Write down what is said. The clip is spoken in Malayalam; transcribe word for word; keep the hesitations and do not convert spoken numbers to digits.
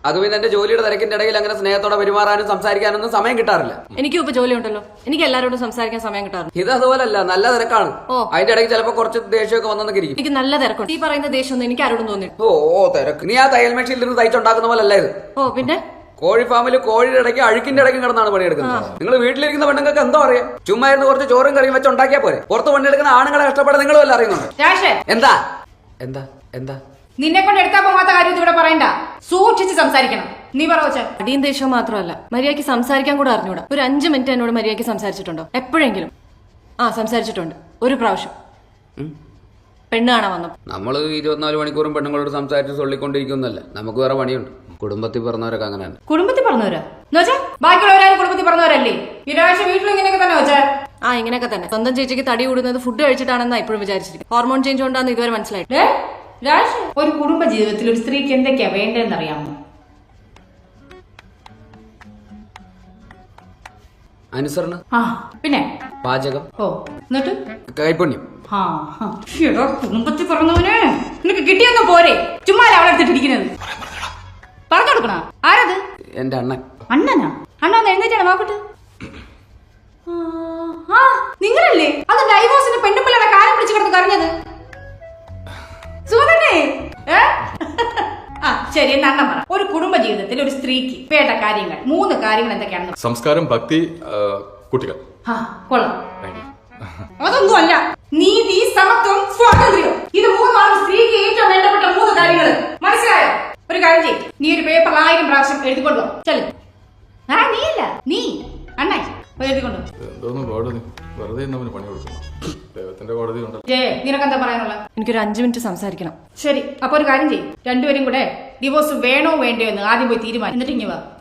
അത് പിന്നെ എന്റെ ജോലിയുടെ തിരക്കിന്റെ ഇടയിൽ അങ്ങനെ സ്നേഹത്തോടെ പെരുമാറാനും സംസാരിക്കാനൊന്നും സമയം കിട്ടാറില്ല. എനിക്കും ഇപ്പൊ ജോലി ഉണ്ടല്ലോ, എനിക്ക് എല്ലാവരോടും സംസാരിക്കാൻ സമയം കിട്ടാറുണ്ട്. ഇത് അതുപോലല്ല, നല്ല തിരക്കാണ്. അതിന്റെ ഇടയ്ക്ക് ചിലപ്പോ കുറച്ച് ദേഷ്യമൊക്കെ വന്നൊക്കെ ഇരിക്കും. എനിക്ക് നല്ല തിരക്കുണ്ട്. ഈ പറയുന്ന ദേഷ്യമൊന്നും എനിക്ക് ആരോടും തോന്നി. ഓ തിരക്ക്, നീ ആ തയ്യൽ മെഷീനിൽ നിന്ന് തയ്ച്ചുണ്ടാക്കുന്ന പോലെ അല്ല ഇത്. ഓ പിന്നെ കോഴി ഫാമിൽ കോഴിയുടെ ഇടയ്ക്ക് അഴുക്കിന്റെ ഇടയ്ക്ക് കിടന്നാണ് പണിയെടുക്കുന്നത്. നിങ്ങൾ വീട്ടിലിരിക്കുന്ന പെണ്ണുങ്ങൾക്ക് എന്തോ അറിയാം? ചുമ്മാ ഇരുന്ന് കുറച്ച് ചോറും കറിയും വെച്ച് ഉണ്ടാക്കിയാ പോരെ. പുറത്ത് പണിയെടുക്കുന്ന ആണുങ്ങളെ കഷ്ടപ്പെടാൻ നിങ്ങൾ വല്ല അറിയുന്നുണ്ട്? എന്താ എന്താ എന്താ നിന്നെ കൊണ്ട് എടുക്കാൻ പോകാത്ത കാര്യം ഇവിടെ പറയണ്ട, സൂക്ഷിച്ച് സംസാരിക്കണം. നീ പറവച്ച അടിയും ദേഷ്യവും മാത്രമല്ല, മര്യാദയ്ക്ക് സംസാരിക്കാൻ കൂടെ അറിഞ്ഞൂടാ. ഒരു അഞ്ചു മിനിറ്റ് എന്നോട് മര്യാദയ്ക്ക് സംസാരിച്ചിട്ടുണ്ടോ എപ്പോഴെങ്കിലും? ആ സംസാരിച്ചിട്ടുണ്ട്, ഒരു പ്രാവശ്യം. പെണ്ണ് കാണാൻ വന്നു. നമ്മള് ഇരുപത്തിനാല് മണിക്കൂറും പെണ്ണുങ്ങളോട് സംസാരിച്ച് സൊള്ളിക്കൊണ്ടിരിക്കുന്നല്ല, നമുക്ക് വേറെ പണിയുണ്ട്. കുടുംബത്തിൽ പറഞ്ഞവരൊക്കെ അങ്ങനെയാണ്. കുടുംബത്തിൽ പറഞ്ഞവരാ എന്നുവെച്ചാ ബാക്കിയുള്ളവരാരും കുടുംബത്തിൽ പറഞ്ഞവരല്ലേ? ഈ രാഴ്ച വീട്ടിൽ ഇങ്ങനെയൊക്കെ തന്നെ വെച്ചാ? ആ ഇങ്ങനെയൊക്കെ തന്നെ. സ്വന്തം ചേച്ചിക്ക് തടി കൂടുന്നത് ഫുഡ് കഴിച്ചിട്ടാണെന്നാ ഇപ്പോഴും വിചാരിച്ചിരിക്കും. ഹോർമോൺ ചേഞ്ച് കൊണ്ടാന്ന് ഇതുവരെ മനസ്സിലായിട്ട്. രാഴ്ച ഒരു കുടുംബ ജീവിതത്തിൽ ഒരു സ്ത്രീക്ക് എന്തൊക്കെയാ വേണ്ടതെന്ന് അറിയാമോ? അനുസരണം, ആ പിന്നെ പാചകം, ഓ എന്നിട്ട് കൈപുണ്യം. ആ എടോ കുടുംബത്തിൽ പറഞ്ഞവന് നിനക്ക് കിട്ടിയൊന്നും പോരെ, ചുമ്മാ അവളെ എടുത്തിട്ടിരിക്കുന്നത്. പറഞ്ഞു കൊടുക്കണ ആരത്? എന്റെ അണ്ണൻ. അണ്ണനാ? അണ്ണ എഴുന്നേറ്റാണ് നോക്കട്ടെ. ആ നിങ്ങളല്ലേ അത് ഡൈവോഴ്സിന് പെണ്ണുപിള്ളയുടെ കാലം പിടിച്ചു കിടന്ന് കറിഞ്ഞത്? സുഖതന്നെ. ആ ശരി, എന്ന അണ്ണൻ പറ, ഒരു കുടുംബ ജീവിതത്തിൽ ഒരു സ്ത്രീക്ക് വേണ്ട കാര്യങ്ങൾ മൂന്ന് കാര്യങ്ങൾ എന്തൊക്കെയാണെന്ന്? സംസ്കാരം, ഭക്തി, കുട്ടികൾ. ആ കൊള്ളാം. അതൊന്നും അല്ല, നീതി, സമത്വം, സ്വാതന്ത്ര്യം. ഇത് മൂന്നാണ് സ്ത്രീക്ക് ഏറ്റവും വേണ്ടപ്പെട്ട മൂന്ന് കാര്യങ്ങൾ. മനസ്സിലായോ? ഒരു കാര്യം ചെയ്യും, നീ ഒരു പേപ്പറിൽ ആയിരം പ്രാവശ്യം എഴുതിക്കൊണ്ടോ. ചെല്ലു. ആ നീയല്ല, നീ അണ്ണായി എഴുതിക്കൊണ്ടു. എന്തോന്ന് കോടതി, വെറുതെ പണി കൊടുക്കണം. ദൈവത്തിന്റെ കോടതി ഉണ്ടല്ലോ. ജേ നിനക്കെന്താ പറയാനുള്ള? എനിക്കൊരു അഞ്ചു മിനിറ്റ് സംസാരിക്കണം. ശരി, അപ്പൊ ഒരു കാര്യം ചെയ്യും, രണ്ടുപേരും കൂടെ ഡിവോഴ്സ് വേണോ വേണ്ടയോ എന്ന് ആദ്യം പോയി തീരുമാനം, എന്നിട്ട് ഇങ്ങ് വാ.